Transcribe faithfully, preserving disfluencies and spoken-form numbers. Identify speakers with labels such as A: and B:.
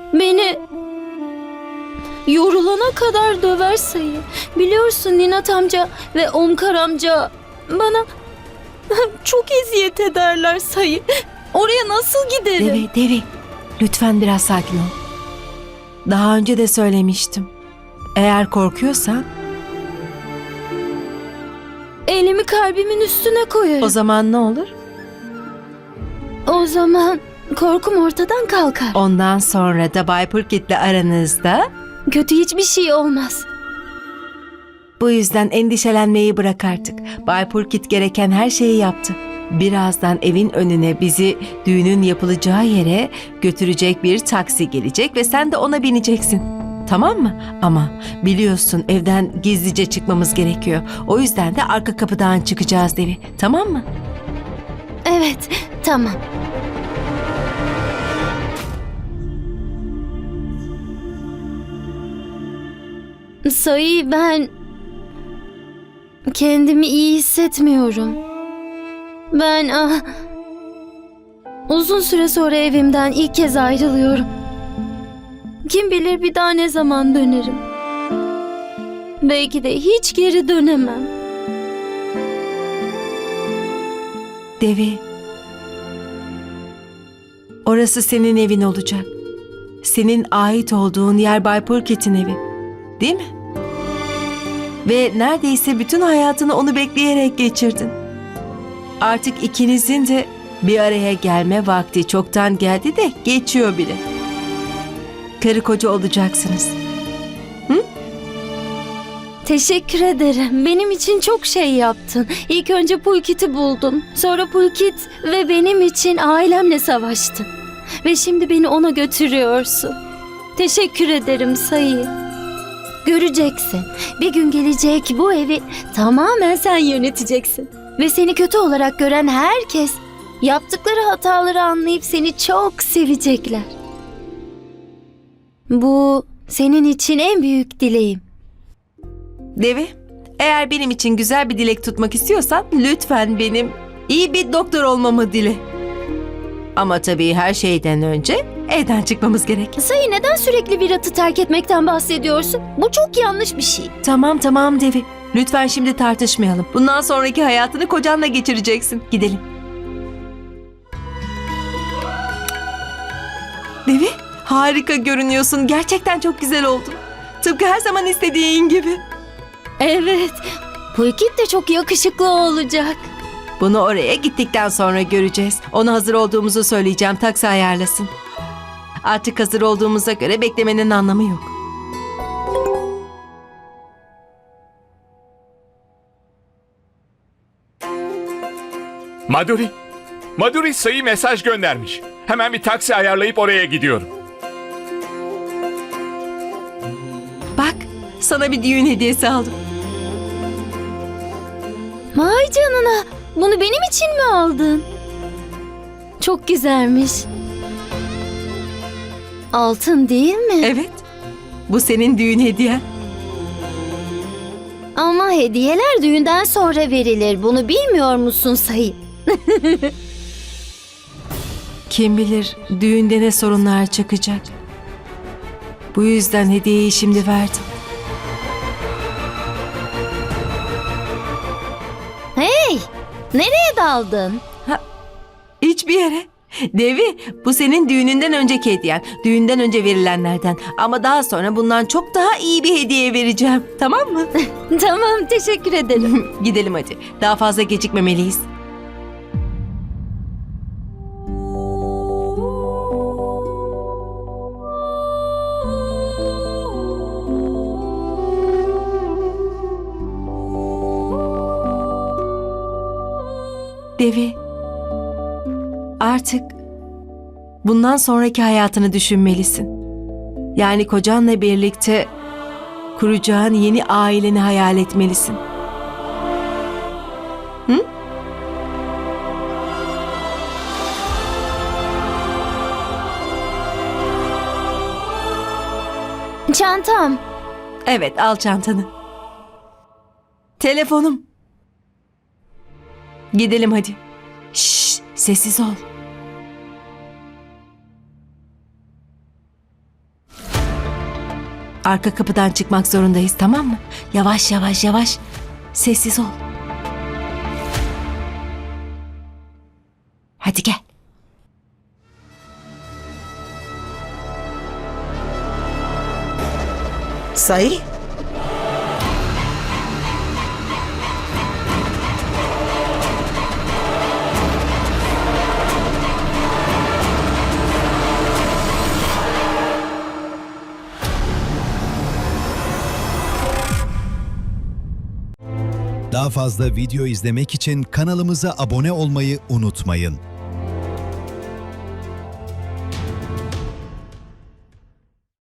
A: beni yorulana kadar döver Sayı. Biliyorsun Ninat amca ve Omkar amca bana çok eziyet ederler Sayı. Oraya nasıl giderim?
B: Devi, Devi, lütfen biraz sakin ol. Daha önce de söylemiştim. Eğer korkuyorsan
A: Elimi kalbimin üstüne koyarım.
B: o zaman ne olur?
A: O zaman korkum ortadan kalkar.
B: Ondan sonra da Bay Pulkit'le aranızda.
A: Kötü hiçbir şey olmaz.
B: Bu yüzden endişelenmeyi bırak artık. Bay Pulkit gereken her şeyi yaptı. Birazdan evin önüne bizi düğünün yapılacağı yere götürecek bir taksi gelecek ve sen de ona bineceksin. Tamam mı? Ama biliyorsun evden gizlice çıkmamız gerekiyor. O yüzden de arka kapıdan çıkacağız Devi. Tamam mı?
A: Evet, tamam. Sayı, ben kendimi iyi hissetmiyorum. Ben ah, uzun süre sonra evimden ilk kez ayrılıyorum. Kim bilir bir daha ne zaman dönerim. Belki de hiç geri dönemem.
B: Devi, orası senin evin olacak. Senin ait olduğun yer Bay Pulkit'in evi. Değil mi? Ve neredeyse bütün hayatını onu bekleyerek geçirdin. Artık ikinizin de bir araya gelme vakti çoktan geldi de geçiyor bile. Karı koca olacaksınız. Hı?
A: Teşekkür ederim. Benim için çok şey yaptın. İlk önce Pulkit'i buldun. Sonra Pulkit ve benim için ailemle savaştın. Ve şimdi beni ona götürüyorsun. Teşekkür ederim Sayı. Göreceksin. Bir gün gelecek, bu evi tamamen sen yöneteceksin. Ve seni kötü olarak gören herkes yaptıkları hataları anlayıp seni çok sevecekler. Bu senin için en büyük dileğim.
B: Devi, eğer benim için güzel bir dilek tutmak istiyorsan lütfen benim iyi bir doktor olmamı dile. Ama tabii her şeyden önce evden çıkmamız gerek.
A: Sayı, neden sürekli Virat'ı terk etmekten bahsediyorsun? Bu çok yanlış bir şey.
B: Tamam tamam Devi. Lütfen şimdi tartışmayalım. Bundan sonraki hayatını kocanla geçireceksin. Gidelim. Devi, harika görünüyorsun. Gerçekten çok güzel oldun. Tıpkı her zaman istediğin gibi.
A: Evet, Pulkit de çok yakışıklı olacak.
B: Bunu oraya gittikten sonra göreceğiz. Ona hazır olduğumuzu söyleyeceğim. Taksi ayarlasın. Artık hazır olduğumuza göre beklemenin anlamı yok.
C: Madhuri, Madhuri Sayı mesaj göndermiş. Hemen bir taksi ayarlayıp oraya gidiyorum.
B: Bak, sana bir düğün hediyesi aldım.
A: Vay canına, bunu benim için mi aldın? Çok güzelmiş. Altın değil mi?
B: Evet, bu senin düğün hediyen.
A: Ama hediyeler düğünden sonra verilir. Bunu bilmiyor musun Sayı?
B: Kim bilir düğünde ne sorunlar çıkacak. Bu yüzden hediyeyi şimdi verdim.
A: Hey, nereye daldın?
B: Hiçbir yere. Devi, bu senin düğününden önceki hediyen. Düğünden önce verilenlerden. Ama daha sonra bundan çok daha iyi bir hediye vereceğim. Tamam mı?
A: Tamam, teşekkür ederim.
B: Gidelim hadi. Daha fazla gecikmemeliyiz. Devi, artık bundan sonraki hayatını düşünmelisin. Yani kocanla birlikte kuracağın yeni aileni hayal etmelisin. Hı?
A: Çantam.
B: Evet, al çantanı. Telefonum. Gidelim hadi. Şşş, sessiz ol. Arka kapıdan çıkmak zorundayız, tamam mı? Yavaş yavaş yavaş. Sessiz ol. Hadi gel.
D: Say.
E: Daha fazla video izlemek için kanalımıza abone olmayı unutmayın.